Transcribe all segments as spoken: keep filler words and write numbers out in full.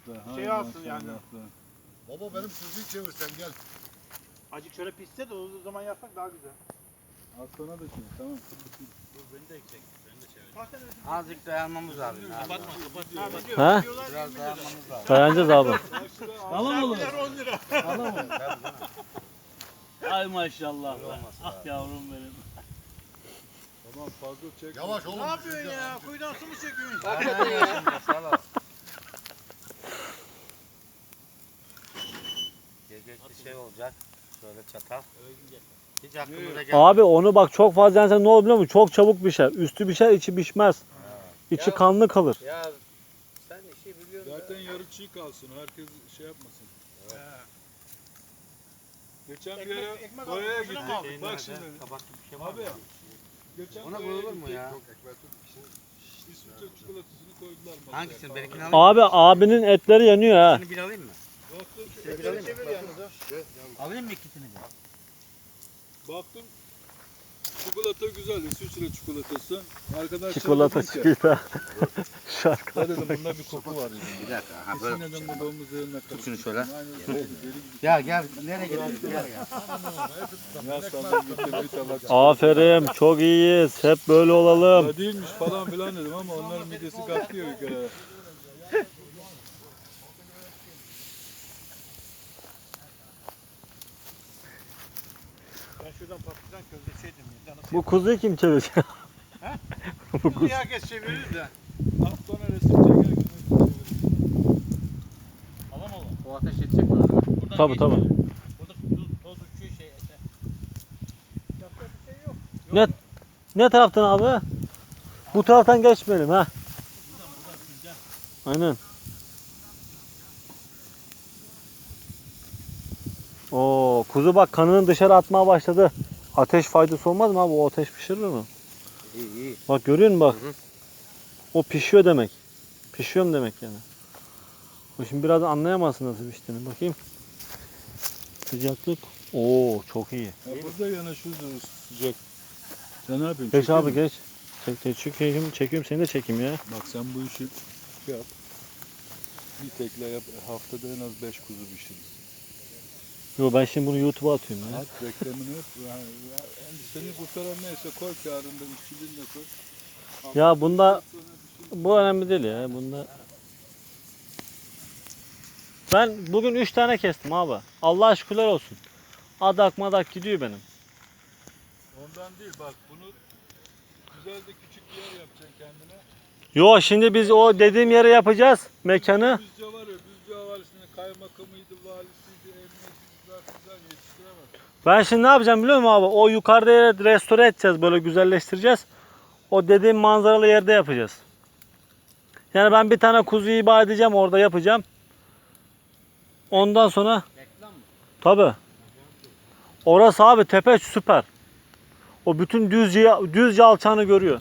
be. Şey Hay alsın maşallah yani. be. Baba benim kuzuyu çevir sen gel. Acık şöyle pişse de o zaman yapsak daha güzel. Aslana da şey tamam. Dur beni de eksik. Beni de çevir. Azıcık dayanmamız lazım. Kapatma kapatma. Ha, video, Ha? videolar Biraz yirmi lira. dayanmamız lazım. Dayanacağız abi. Tamam oğlum. Saatler on lira. Tamam oğlum. Ay maşallah. Olmaz Ah abi. yavrum benim. Tamam fazla çek. Yavaş oğlum. Ne yapıyorsun düşeceğim. ya? Kuyudan su mu çekiyorsun? Hakikaten ya. Sağ ol. Gece bir şey olacak. Şöyle çatal. Hiç aklımıza gelmedi. Abi onu bak çok fazla yensen ne olur biliyor musun? Çok çabuk pişer. Üstü pişer, içi pişmez. İçi Ya- kanlı kalır. Ya sen işi biliyorsun. Zaten da. yarı çiğ kalsın. Herkes şey yapmasın. He. Geçen bir Ekmek- yere ekmek boyaya aldım, gittik. şuna mı Şeyin Bak nerede? şimdi. Kabaklı bir şey var Abi. mı? Geçen Ona boyaya koyulur mu gittik. ya? Yok ekmek tut. İsviçre çikolatasını koydular masaya. Hangisini? Benimkini alayım. Abi abinin etleri yanıyor ha. Seni bir alayım mı? Baktım, Seni bir Şöyle alayım mı? çevir yalnız ha. Alayım mı ikisini de? baktım çikolata güzel. İsviçre çikolatası. Arkadaşlar Çikolata dedim ki, çikolata. Şarkı. "Ya dedim bunda bir koku var dedim. Bir dakika. Ha Kesin böyle. dedim bu domuz üzerine Tut şunu şöyle. Aynen deli gibi. Gel gel. Nereye gidiyorsun? Gel gel. Ya sandım gitti bir tabak. Aferin, çok iyiyiz. Hep böyle olalım. Ya değilmiş falan filan dedim ama onların midesi kalkıyor bir kere. Ben şuradan patlıcan közde şey diyeyim. Canı Bu kuzuyu kim çevirecek? Bu Kuzu kuzu. herkes çevirir de. Az sonra resim çekerken Alam oğlum. O ateş yetecek mi? Abi? Buradan Tabii, geçmiyor. tabii. Burada tuz, toz uçuyor şey ete. Yapacak bir şey yok. Ne, ne taraftan abi? Bu taraftan geçmeyelim ha. Aynen. Oo, kuzu bak kanını dışarı atmaya başladı. Ateş faydası olmaz mı abi? O ateş pişirir mi? İyi iyi. Bak görüyor musun bak? Hı hı. O pişiyor demek. Pişiyorum demek yani. O şimdi biraz anlayamazsın nasıl piştiğini. Bakayım. Sıcaklık. Oo çok iyi. ya burada yanaşıyoruz sıcak. Sen ne yapıyorsun? Geç Çekiyor abi musun? geç. Çek, çek, çekiyorum, çekiyorum seni de çekeyim ya. Bak sen bu işi şey yap. Bir tekle yap. Haftada en az beş kuzu pişiririz. Yo ben şimdi bunu YouTube'a atıyorum ya. At reklamını yap. Yani, yani seni kurtaran neyse koy kârında işçiliğini de koy. Ya bunda Sonra bir şey- bu önemli değil ya. Bunda ben bugün üç tane kestim abi. Allah'a şükürler olsun. Adak madak gidiyor benim. Ondan değil bak bunu güzel de küçük bir yer yapacaksın kendine. Yo şimdi biz o dediğim yere yapacağız mekanı. Düzce var ya Düzce Havalisi'nin kaymakamıydı, valisiydi, emniyetiydi zaten güzel yetiştiremez. Ben şimdi ne yapacağım biliyor musun abi? O yukarıda yere restore edeceğiz, böyle güzelleştireceğiz. O dediğim manzaralı yerde yapacağız. Yani ben bir tane kuzu iba edeceğim, orada yapacağım. Ondan sonra Reklam mı? tabi. Orası abi tepe süper. O bütün düzce düzce alçağını görüyor.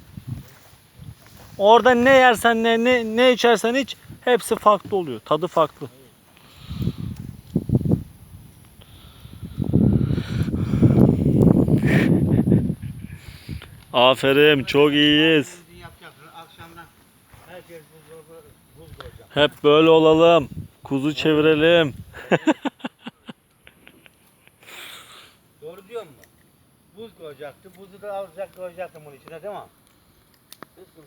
Orada ne yersen ne ne ne içersen iç hepsi farklı oluyor. Tadı farklı. Aferin, çok iyiyiz. Şimdi yapacaksın. Akşamdan herkes buzdolabı buz koyacak. Hep böyle olalım. Kuzu çevirelim. Doğru diyor mu? Buz koyacaktı. Buzu da alacak koyacaktım bunun içine değil mi? Hiç